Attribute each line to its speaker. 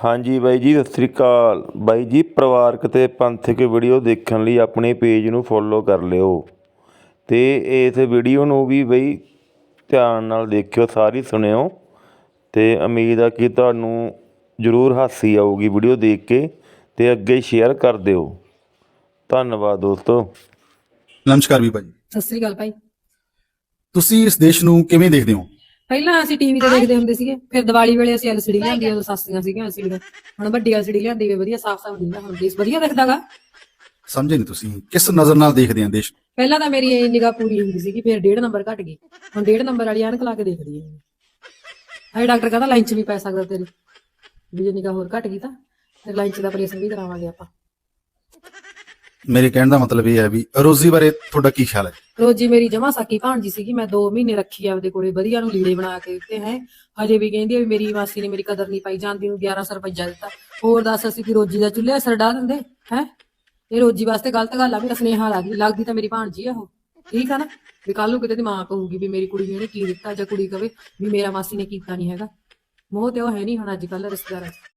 Speaker 1: ਹਾਂਜੀ ਬਾਈ ਜੀ, ਸਤਿ ਸ੍ਰੀ ਅਕਾਲ ਬਾਈ ਜੀ। ਪਰਿਵਾਰਕ ਤੇ ਪੰਥਕ ਵੀਡੀਓ ਦੇਖਣ ਲਈ ਆਪਣੇ ਪੇਜ ਨੂੰ ਫੋਲੋ ਕਰ ਲਿਓ ਤੇ ਇਸ ਵੀਡੀਓ ਨੂੰ ਵੀ ਬਈ ਧਿਆਨ ਨਾਲ ਦੇਖਿਓ, ਸਾਰੀ ਸੁਣਿਓ ਤੇ ਉਮੀਦ ਆ ਕਿ ਤੁਹਾਨੂੰ ਜ਼ਰੂਰ ਹਾਸੀ ਆਊਗੀ ਵੀਡੀਓ ਦੇਖ ਕੇ ਤੇ ਅੱਗੇ ਸ਼ੇਅਰ ਕਰ ਦਿਓ। ਧੰਨਵਾਦ ਦੋਸਤੋ।
Speaker 2: ਨਮਸਕਾਰ ਵੀ ਭਾਜੀ।
Speaker 3: ਸਤਿ ਸ੍ਰੀ ਅਕਾਲ ਭਾਈ।
Speaker 2: ਤੁਸੀਂ ਇਸ ਦੇਸ਼ ਨੂੰ ਕਿਵੇਂ ਦੇਖਦੇ ਹੋ?
Speaker 3: ਪਹਿਲਾਂ ਅਸੀਂ ਟੀਵੀ ਤੇ ਦੇਖਦੇ ਹੁੰਦੇ ਸੀਗੇ, ਫਿਰ ਦੀਵਾਲੀ ਵੇਲੇ ਅਸੀਂ ਐਲਸੀਡੀ ਲਿਆਂਦੀ, ਉਦੋਂ ਸਸਤੀਆਂ ਸੀਗੀਆਂ ਐਲਸੀਡੀ। ਹੁਣ ਵੱਡੀ ਐਲਸੀਡੀ ਲਿਆਂਦੀ ਵੇ, ਵਧੀਆ ਸਾਫ਼ ਦਿੰਦਾ, ਹੁਣ ਦੇਸ਼ ਵਧੀਆ ਦਿਖਦਾਗਾ।
Speaker 2: ਸਮਝੇ ਨਹੀਂ ਤੁਸੀਂ ਕਿਸ ਨਜ਼ਰ ਨਾਲ ਦੇਖਦੇ ਆ ਦੇਸ਼?
Speaker 3: ਪਹਿਲਾਂ ਤਾਂ ਮੇਰੀ ਨਿਗਾਹ ਪੂਰੀ ਹੁੰਦੀ ਸੀਗੀ, ਫਿਰ 1.5 ਨੰਬਰ ਘਟ ਗਈ, ਹੁਣ 1.5 ਨੰਬਰ ਵਾਲੀ ਐਨਕ ਲਾ ਕੇ ਦੇਖਦੀ ਹਾਂ। ਹਾਏ ਡਾਕਟਰ ਕਹਿੰਦਾ ਲਾਈਨ 'ਚ ਵੀ ਪੈ ਸਕਦਾ ਤੇਰੀ, ਵੀ ਜੇ ਨਿਗਾਹ ਹੋਰ ਘਟ ਗਈ ਤਾਂ ਫਿਰ ਲਾਈਨ 'ਚ ਦਾ ਆਪਰੇਸ਼ਨ ਵੀ ਕਰਾਵਾਂਗੇ ਆਪਾਂ।
Speaker 2: ਮੇਰੇ ਕਹਿਣ ਦਾ ਮਤਲਬ ਇਹ ਹੈ ਵੀ ਰੋਜ਼ੀ ਬਾਰੇ ਤੁਹਾਡਾ ਕੀ ਖਿਆਲ ਹੈ?
Speaker 3: ਰੋਜੀ ਮੇਰੀ ਜਮਾ ਸਾਕੀ ਭਾਣਜੀ ਸੀਗੀ, ਮੈਂ 2 ਮਹੀਨੇ ਰੱਖੀ ਆਪਦੇ ਕੋਲੇ, ਵਧੀਆ ਨੂੰ ਲੀੜੇ ਬਣਾ ਕੇ ਦਿੱਤੇ ਹੈ। ਹਜੇ ਵੀ ਕਹਿੰਦੀ ਆ ਵੀ ਮੇਰੀ ਮਾਸੀ ਨੇ ਮੇਰੀ ਕਦਰ ਨਹੀਂ ਪਾਈ, ਜਾਂਦੀ ਨੂੰ 1100 ਰੁਪਈਆ ਦਿੱਤਾ। ਹੋਰ ਦੱਸ ਅਸੀਂ ਕਿ ਰੋਜੀ ਦਾ ਚੁੱਲ੍ਹੇ ਅਸਰ ਡਾ ਦਿੰਦੇ ਹੈ? ਇਹ ਰੋਜੀ ਵਾਸਤੇ ਗਲਤ ਗੱਲ ਆ ਵੀ ਸੁਨੇਹਾ ਲੱਗਦੀ ਤਾਂ ਮੇਰੀ ਭਾਣਜੀ ਆ ਉਹ, ਠੀਕ ਆ ਨਾ। ਵੀ ਕੱਲ ਨੂੰ ਕਿਤੇ ਦੀ ਮਾਂ ਕਹੂਗੀ ਵੀ ਮੇਰੀ ਕੁੜੀ ਨੇ ਇਹਨੇ ਕੀ ਦਿੱਤਾ, ਜਾਂ ਕੁੜੀ ਕਵੇ ਵੀ ਮੇਰਾ ਮਾਸੀ ਨੇ ਕੀਤਾ ਨਹੀਂ ਹੈਗਾ। ਮੋਹ ਤੇ ਉਹ ਹੈ ਨਹੀਂ ਹੁਣ ਅੱਜ ਕੱਲ੍ਹ ਰਿਸ਼ਤੇਦਾਰਾਂ 'ਚ।